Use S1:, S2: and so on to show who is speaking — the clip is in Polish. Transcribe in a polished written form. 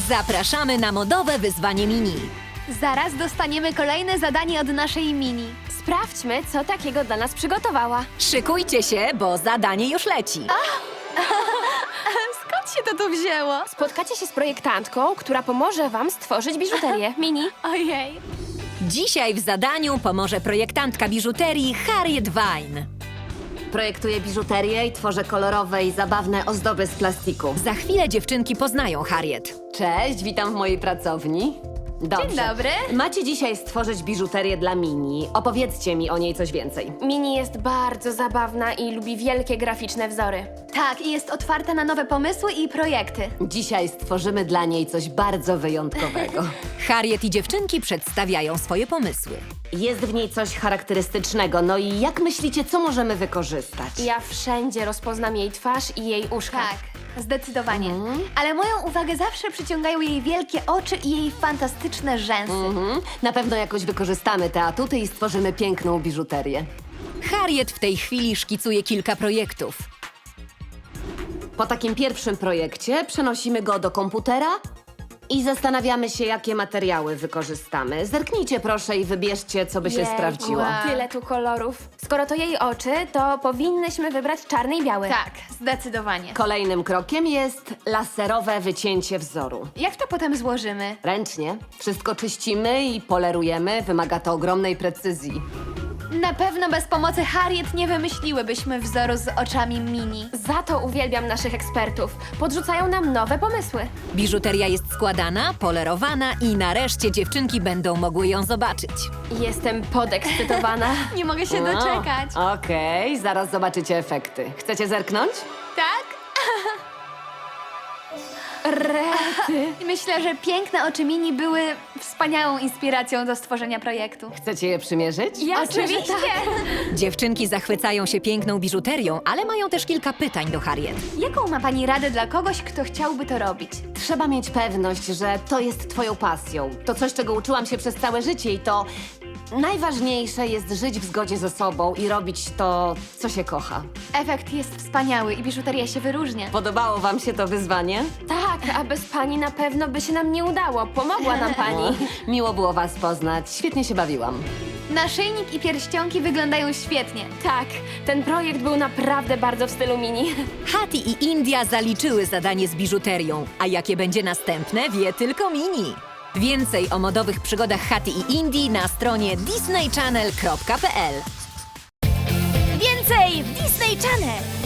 S1: Zapraszamy na modowe wyzwanie mini.
S2: Zaraz dostaniemy kolejne zadanie od naszej Mini.
S3: Sprawdźmy, co takiego dla nas przygotowała.
S1: Szykujcie się, bo zadanie już leci.
S2: Skąd się to tu wzięło?
S3: Spotkacie się z projektantką, która pomoże wam stworzyć biżuterię. Mini.
S2: Ojej.
S1: Dzisiaj w zadaniu pomoże projektantka biżuterii Harriet Vine.
S4: Projektuję biżuterię i tworzę kolorowe i zabawne ozdoby z plastiku.
S1: Za chwilę dziewczynki poznają Harriet.
S4: Cześć, witam w mojej pracowni. Dobrze.
S2: Dzień dobry.
S4: Macie dzisiaj stworzyć biżuterię dla Mini. Opowiedzcie mi o niej coś więcej.
S3: Mini jest bardzo zabawna i lubi wielkie graficzne wzory.
S2: Tak, i jest otwarta na nowe pomysły i projekty.
S4: Dzisiaj stworzymy dla niej coś bardzo wyjątkowego.
S1: Harriet i dziewczynki przedstawiają swoje pomysły.
S4: Jest w niej coś charakterystycznego, no i jak myślicie, co możemy wykorzystać?
S3: Ja wszędzie rozpoznam jej twarz i jej uszka.
S2: Tak, zdecydowanie. Ale moją uwagę zawsze przyciągają jej wielkie oczy i jej fantastyczne rzęsy.
S4: Na pewno jakoś wykorzystamy te atuty i stworzymy piękną biżuterię.
S1: Harriet w tej chwili szkicuje kilka projektów.
S4: Po takim pierwszym projekcie przenosimy go do komputera i zastanawiamy się, jakie materiały wykorzystamy. Zerknijcie proszę i wybierzcie, co by się
S3: Jejku,
S4: sprawdziło.
S3: Tyle tu kolorów. Skoro to jej oczy, to powinnyśmy wybrać czarny i biały.
S2: Tak, zdecydowanie.
S4: Kolejnym krokiem jest laserowe wycięcie wzoru.
S2: Jak to potem złożymy?
S4: Ręcznie. Wszystko czyścimy i polerujemy. Wymaga to ogromnej precyzji.
S2: Na pewno bez pomocy Harriet nie wymyśliłybyśmy wzoru z oczami Mini.
S3: Za to uwielbiam naszych ekspertów. Podrzucają nam nowe pomysły.
S1: Biżuteria jest składana, polerowana i nareszcie dziewczynki będą mogły ją zobaczyć.
S3: Jestem podekscytowana.
S2: Nie mogę się doczekać.
S4: Okej, zaraz zobaczycie efekty. Chcecie zerknąć?
S2: Tak?
S3: Rety.
S2: Myślę, że piękne oczy Mini były wspaniałą inspiracją do stworzenia projektu.
S4: Chcecie je przymierzyć?
S2: Oczywiście!
S1: Dziewczynki zachwycają się piękną biżuterią, ale mają też kilka pytań do Harriet.
S2: Jaką ma pani radę dla kogoś, kto chciałby to robić?
S4: Trzeba mieć pewność, że to jest twoją pasją. To coś, czego uczyłam się przez całe życie i to najważniejsze jest żyć w zgodzie ze sobą i robić to, co się kocha.
S2: Efekt jest wspaniały i biżuteria się wyróżnia.
S4: Podobało wam się to wyzwanie?
S3: Tak, a bez pani na pewno by się nam nie udało. Pomogła nam pani.
S4: Miło było was poznać. Świetnie się bawiłam.
S2: Naszyjnik i pierścionki wyglądają świetnie.
S3: Tak, ten projekt był naprawdę bardzo w stylu Mini.
S1: Hattie i India zaliczyły zadanie z biżuterią, a jakie będzie następne, wie tylko Mini. Więcej o modowych przygodach Hattie i Indii na stronie disneychannel.pl.
S2: Więcej w Disney Channel!